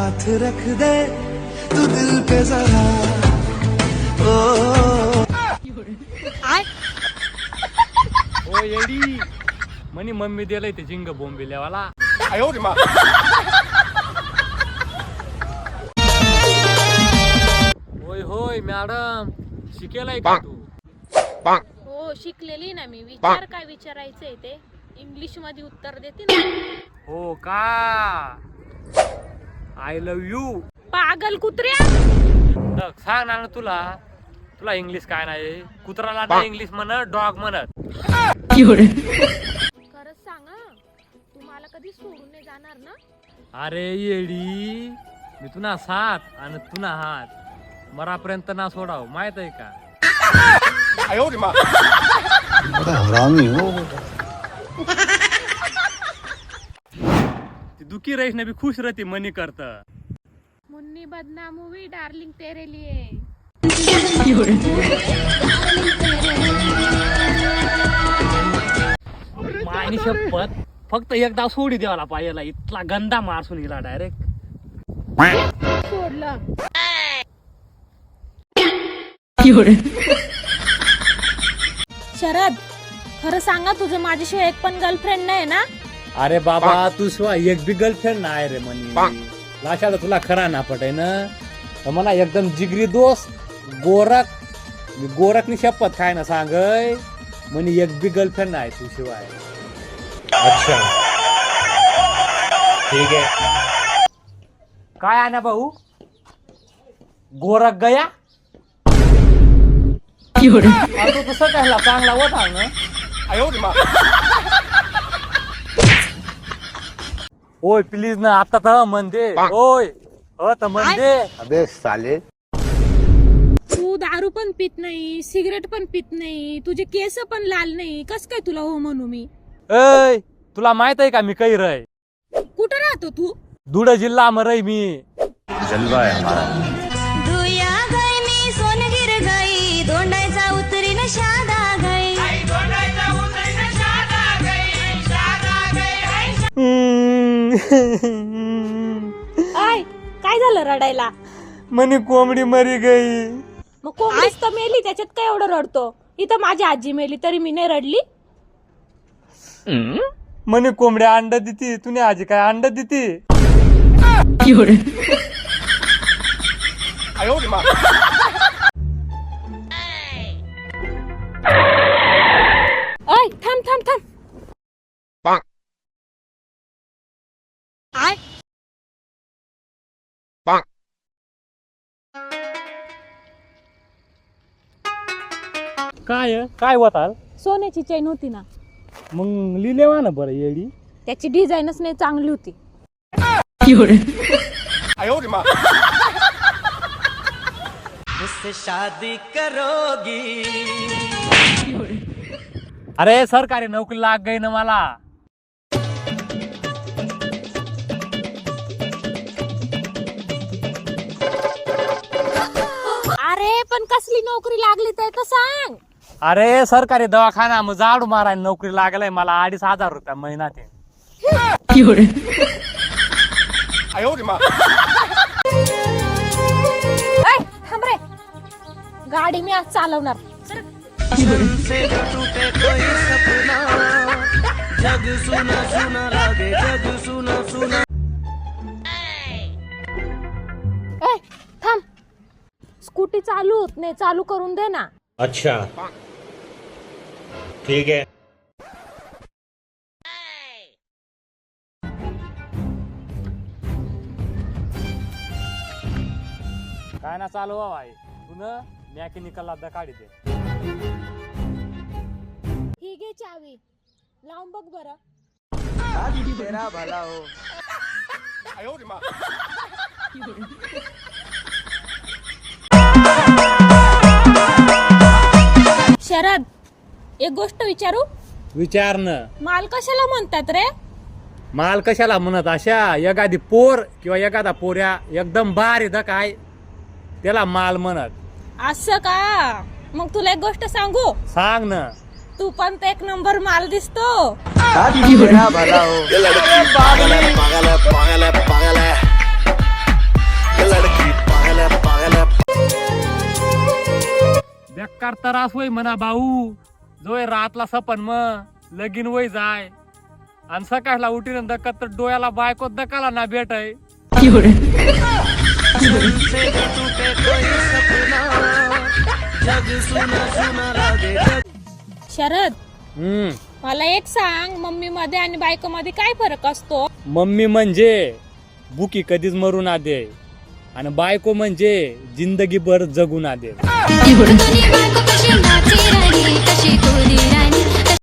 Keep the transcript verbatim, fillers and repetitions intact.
हाथ रख दे तू दिल पे जरा ओ ओ येडी म्हणी मम्मी दिलंय ते जिंग बोंबिल्यावाला. होय होय मॅडम शिकेलाय का तू? हो शिकलेली ना मी. विचार काय विचारायचंय ते इंग्लिश मध्ये उत्तर देते ना. हो का? I love you. पागल कुत्र्या. सांग ना तुला तुला इंग्लिश काय नाही. कुत्राला नाही इंग्लिश म्हणत डॉग म्हणत. खरंच सांगा तुम्हाला कधी सोडून नाही जाणार ना. अरे येडी मी तुला साथ आणि तुला हात मरापर्यंत ना सोडाव माहित आहे का? हरामी हो ती दुखी रहीस ना भी खुश रहती मनी करत. मुन्नी बदनाम हुई डार्लिंग तेरे लिए. मायनी शपथ फक्त एकदा सोडी द्यावाला पाहिजे. इतला गंदा मारसून गेला डायरेक्ट. सोडलं. शरद खरं सांगा तुझं माझ्याशिवाय एक पण गर्लफ्रेंड नाही ना. अरे बाबा तू शिवाय एक बी गर्लफ्रेंड नाही रे म्हणी. लाशाला तुला खरा ना पटाय ना. तर मला एकदम जिगरी दोस्त गोरख गोरखनी शपथ काय ना सांगय म्हणे एक बी गर्लफ्रेंड नाही तू शिवाय. अच्छा ठीक आहे. काय आहे ना भाऊ गोरख गया तो तसं कहला चांगला होता ना. ओय प्लीज ना आता तर म्हणते. ओय अ तर म्हणते. अबे साले तू दारू पण पित नाही सिगरेट पण पित नाही तुझे केस पण लाल नाही. कस काय तुला हो म्हणू मी. ऐ तुला माहित आहे का मी काही रय कुठं राहतो तू. धुळे जिल्हा मरई मी. जलवा है हमारा. धुया गई मी सोनगिर गई दोंडायचा उतरी न शादा गई. आय काय झालं रडायला. म्हणे कोंबडी मरी गई. मग कोंबडीच तर मेली त्याच्यात काय एवढं रडतो. इथं माझी आजी मेली तरी मी नाही रडली. म्हणे कोंबड्या अंड देती तुने आजी काय अंड देती. अय थांब थांब थांब. आय काय काय होताल. सोन्याची चैन होती ना. मग लिहिलेवा ना बरं येडी. त्याची डिझाईनच नाही चांगली होती. मुझसे शादी करोगी. अरे सरकारी नोकरी लाग गई ना मला. अरे पण कसली नोकरी लागली ते तर सांग. अरे सरकारी दवाखाना मग झाडू मारायला नोकरी लागलाय मला अडीच हजार रुपया महिना ते. ऐ, थांब रे गाडी मी आज चालवणार. से टूटे कोई सपना जग सुना सुना लागे जग सुना सुना. ए थांब स्कूटी चालू होत नाही चालू करून दे ना. अच्छा ठीक है. काय ना चालू भाई तू न मॅकॅनिकल अद्दा काढी दे. ही घे चावी लावून बघ बरं. तेरा भला हो. शरद एक गोष्ट विचारू. विचार न. माल कशाला म्हणतात रे. माल कशाला म्हणत अशा एखादी पोर किंवा एखादा पोऱ्या एकदम भारी द काय त्याला माल म्हणत. असं का. मग तुला एक गोष्ट सांगू. सांग ना. तू पण तर एक नंबर माल दिसतो. तेरा भला हो. पागल है पागल है पागल है पागल है. बेकार त्रास होय म्हणा भाऊ. जोय रातला सपन मग लगीन वय जाय आणि सकाळला उठीन दकत तर डोळ्याला बायको दकाला ना भेटाय. शरद, हम्म मला एक सांग, मम्मी मध्ये आणि बायको मध्ये काय फरक असतो? मम्मी म्हणजे बुकी कधीच मरू ना दे आणि बायको म्हणजे जिंदगीभर जगू ना दे. बायको कशी नाची राणी कशी कोरी राणी